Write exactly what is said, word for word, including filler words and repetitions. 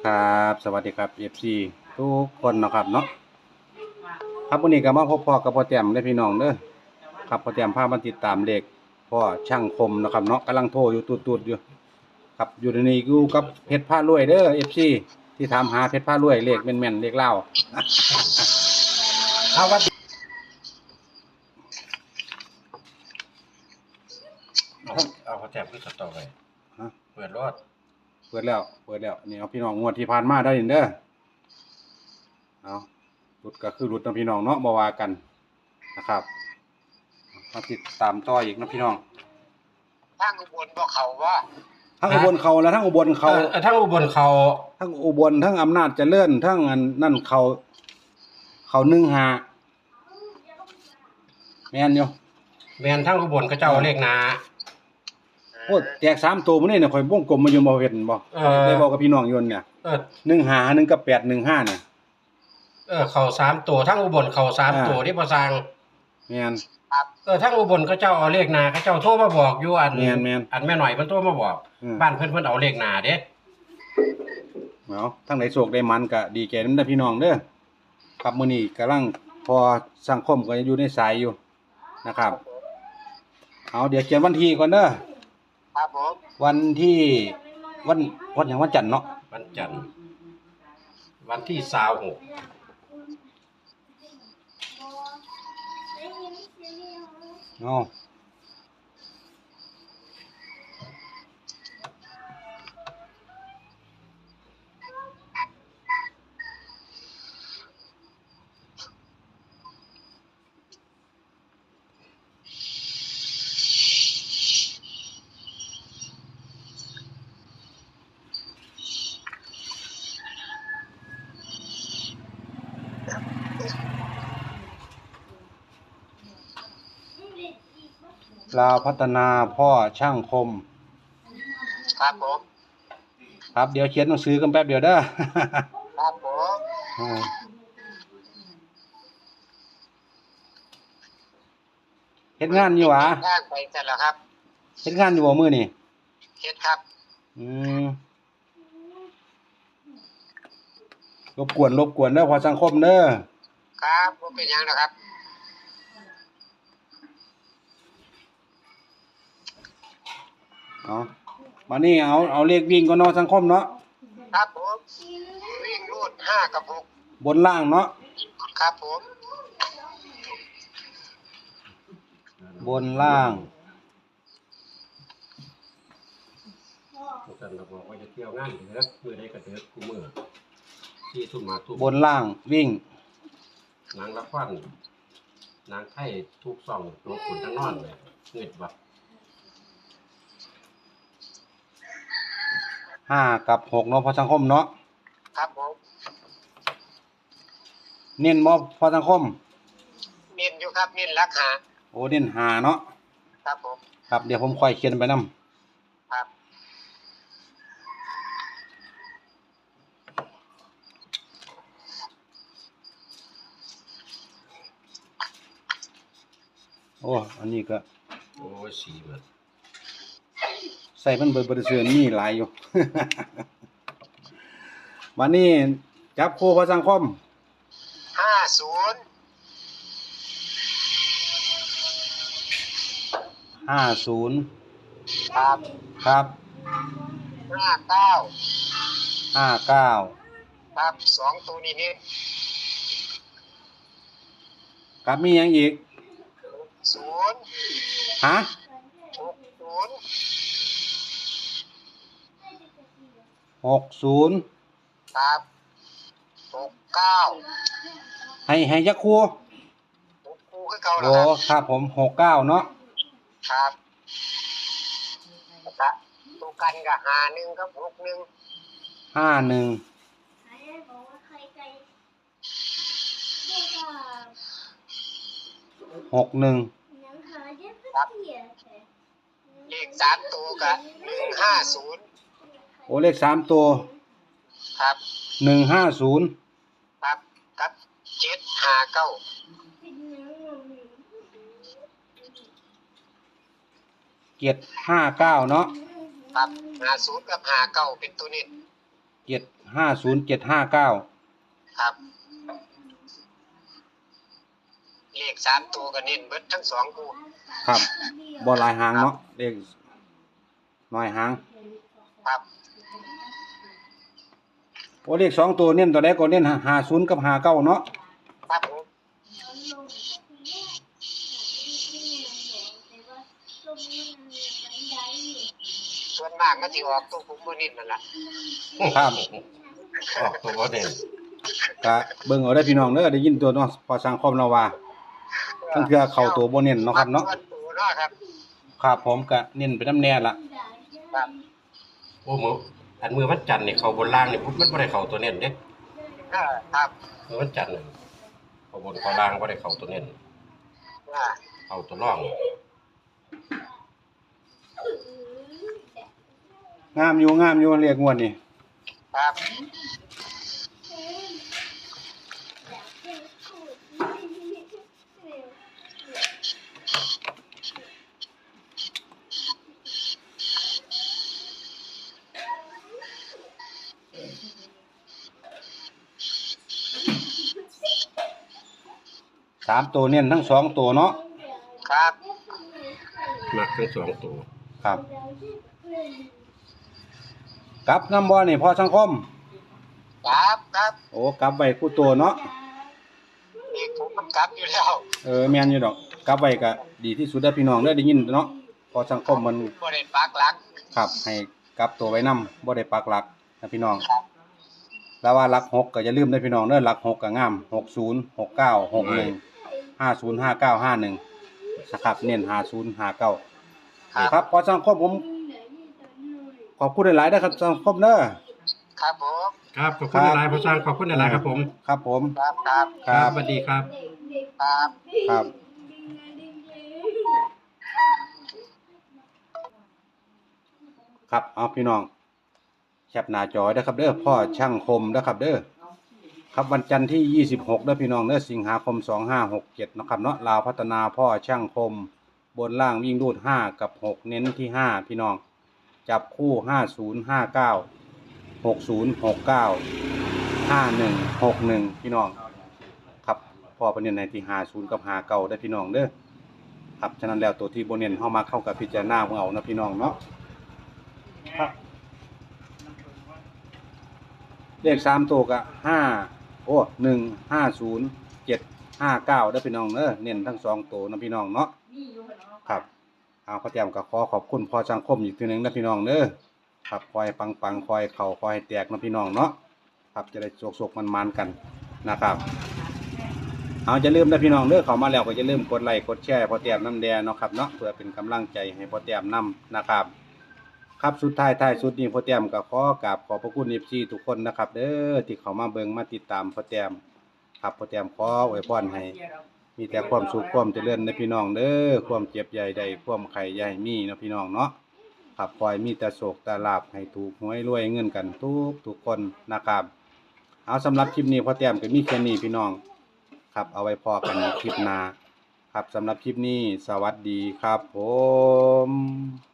ครับสวัสดีครับ เอฟ ซี ทุกคนนะครับเนาะครับวันนี้ก็มาพบพ่อกับพ่อแต้มได้พี่น้องเด้อครับพ่อแต้มพามาติดตามเลขพ่อช่างคมนะครับเนาะกำลังโทรอยู่ตุดๆอยู่ครับอยู่ในนี้อยู่กับเพชรผ้ารวยเด้อ เอฟ ซี ที่ถามหาเพชรผ้ารวยเลขแม่นๆเลขเล่าเอาวัดเอาเอาเขาแจกขึ้นสต็อกไปเปิดรอดเปิดแล้วเปิดแล้วนี่เอาพี่น้องงวดที่ผ่านมาได้เด้อเอารุดก็คือรุดนะพี่น้องเนาะบ่ว่ากันนะครับมาติดตามต่ออีกนะพี่น้องทางอุบลบ่เขาว่าทั้งอุบลเขาแล้วทั้งอุบลเขาเออทั้งอุบลเขาทั้งอุบลทั้งอำนาจเจริญทั้งอันนั่นเขาเขาหนึ่งหาแม่นอยู่แมนทั้งอุบลก็เจ้าเลขนาโอ้แจกสามตัวมื้อนี้เนี่ยข่อยวงกลมมาอยู่บ่เห็นบ่เออได้บอกกับพี่น้องอยู่เนี่ยเออหนึ่งหาหนึ่งกับแปดหนึ่งห้าเนี่ยเออเขาสามตัวทั้งอุบลเขาสามอ่าตัวที่ประสังแม่นเออทั้งอุบลก็เจ้าเอาเลขนาก็เจ้าโทรมาบอกอยู่อันแม่นแม่นอันแม่หน่อยเพิ่นโทรมาบอกอืมบ้านเพิ่นเพิ่นเอาเลขนาเด้เอาทั้งไหนโศกได้มันก็ดีใจนำเด้อพี่น้องเด้อครับมื้อนี้กำลังพอสังคมก็อยู่ในสายอยู่นะครับเอาเดี๋ยวเขียนวันที่ก่อนเด้อครับผมวันที่วันวันหยังวันจันทร์เนาะวันจันทร์วันที่ยี่สิบหกเอาลาวพัฒนาพ่อช่างคมครับผมครับเดี๋ยวเขียนหนังสือกันแป๊บเดียวเด้อครับผมอ่าเฮ็ดงานอยู่หวะทางไปเสร็จแล้วครับเฮ็ดงานอยู่บ่มื้อนี่เฮ็ดครับอืมรบกวนรบกวนเด้อพอสังคมเด้อครับบ่เป็นหยังนะครับเอามานี่เอาเอาเลขวิ่งก่อนเนาะสังคมเนาะครับผมวิ่งรูดห้ากับหกบนล่างเนาะครับผมบนล่างกันก็บอกว่าจะเที่ยวงานเด้อมื้อใดก็เด้อกูมื้อที่ทุ่มมาทุ่มบนล่างวิ่งนางละครนางไทยทุกซ่องตัวขุนทั้งนอนเลยเงิดบ่ห้ากับหกเนาะพอสังคมเนาะครับผมเน้นบ่พอสังคมเน้นอยู่ครับเน้นรักหาโอ้เน้นหาเนาะครับผมครับเดี๋ยวผมค่อยเขียนไปนํครับโอ้อันนี้ก็โอ้ยสีเบิดใส่มันเบิดบ่ได้ซื้อมีหลายอยู่ วันนี้จับคู่พอสังคมห้าศูนย์ห้าศูนย์ครับครับห้าเก้าห้าเก้าครับสองตัวนี้นี่ครับมีหยังอีกศูนย์ฮะหกศูนย์หกศูนย์ครับหกเก้าให้ให้ยักคู่หกคู่คือเก่าแล้วโอ้ครับครับผมหกเก้าเนาะครับแล้วก็ตัวกันกับหาหนึ่งครับหกหนึ่งห้าหนึ่ง หกหนึ่งครับเลขสามตัวกับหนึ่งห้าศูนย์โอ้เลขสามตัวครับหนึ่งห้าศูนย์ครับกับเจ็ดห้าเก้าเจ็ดห้าเก้าเนาะครับห้าศูนย์กับห้าเก้าเป็นตัวนี้เจ็ดห้าศูนย์เจ็ดห้าเก้าครับเลขสามตัวก็เน้นเบิดทั้งสองคู่ครับบ่หลายหางเนาะเลขน้อยหางครับโอ้เลขสองตัวเน้นตัวใดก็เน้นห้าศูนย์กับห้าเก้าเนาะครับผมส่วนมากก็สิออกตัวผมบ่เน้นนั่นล่ะครับออกตัวบ่เด่นก็เบิ่งเอาได้อพี่น้องเด้อได้ยินตัวเนาะพอสังคมเราว่าทั้งเทื่อเข้าตัวบ่เน้นเนาะครับเนาะมัตัวเนาะครับครับผมก็เน้นไปนำแน่ล่ะครับโอ้มืออันมือวันจันทร์นี่เขาบนล่างนี่มันบ่ได้เข้าตัวเน้นเด้เออครับมือวันจันทร์นี่เขาบนเขาล่างบ่ได้เข้าตัวเน้นอ่าเข้าตัวร่องงามอยู่งามอยู่เรียกงวดนี่ครับสามตัวเน้นทั้งสองตัวเนาะครับมักทั้งสองตัวครับกลับนำบ่นี่พอสังคมครับครับโอ้กลับไว้คู่ตัวเนาะนี่ผมมันกลับอยู่แล้วเออแม่นอยู่ดอกกลับไว้ก็ดีที่สุดเด้อพี่น้องเด้อได้ยินเนาะพอสังคมมันบ่ได้ปักหลักครับให้กลับตัวไว้นำบ่ได้ปักหลักนะพี่น้องแล้วว่าหลักหกก็อย่าลืมเด้อพี่น้องเด้อหลักหกก็งามหกศูนย์ หกเก้า หกหนึ่ง ห้าศูนย์ ห้าเก้า ห้าหนึ่งนะครับเน้นห้าศูนย์ ห้าเก้าครับพอสังคมผมขอบคุณหลายๆนะครับสังคมเด้อครับผมครับขอบคุณหลายๆพ่อสร้างขอบคุณหลายๆครับผมครับผมครับครับครับสวัสดีครับครับครับครับเอาพี่น้องแคปหน้าจอเด้อครับเด้อพ่อช่างคมเด้อครับเด้อครับวันจันทร์ที่ยี่สิบหกเด้อพี่น้องเด้อสิงหาคมสองห้าหกเจ็ดเนาะครับเนาะลาวพัฒนาพ่อช่างคมบนล่างวิ่งรูดห้ากับหกเน้นที่ห้าพี่น้องจับคู่ห้าศูนย์ ห้าเก้า หกศูนย์ หกเก้า ห้าหนึ่ง หกหนึ่งพี่น้องครับพ่อประเด็นในที่ห้าศูนย์กับห้าเก้าได้อพี่น้องเด้อครับฉะนั้นแล้วตัวที่โบเน้นเข้ามาเข้ากับพิจารณาของเอานะพี่น้องเนาะครับเลขสามตัวก็ห้าโอ้หนึ่งห้าศูนย์เจ็ดห้าเก้าได้อพี่น้องเด้อเน้นทั้งสองตัวนะพี่น้องเนาะครับเอาข้อเตรียมกับขอขอบคุณพอสังคมอีกทีหนึ่งนะพี่น้องเด้อครับคอยปังปังคอยเข่าคอยแตกนะพี่น้องเนาะครับจะได้โศกๆมันๆกันนะครับเอาจะลืมนะพี่น้องเด้อเข้ามาแล้วก็จะลืมกดไลค์กดแชร์พอเตรียมน้ำแดงเนาะครับเนาะเพื่อเป็นกำลังใจให้พอเตรียมนำนะครับครับสุดท้ายท้ายสุดนี้พอเตรียมก็ขอกราบขอบพระคุณ เอฟ ซี ทุกคนนะครับเด้อที่เข้ามาเบิ่งมาติดตามพอเตรียมครับพอเตรียมขออวยพรให้มีแต่ความสุขความเจริญในพี่น้องเด้อความเจ็บใหญ่ใดความไข่ใหญ่มีเนาะพี่น้องเนาะครับคอยมีแต่โศกแต่ลาภให้ถูกหวยรวยเงินกันทุกทุกคนนะครับเอาสำหรับคลิปนี้พอเตรียมก็มีแค่นี้พี่น้องครับเอาไว้พอกันในคลิปหน้าครับสำหรับคลิปนี้สวัสดีครับผม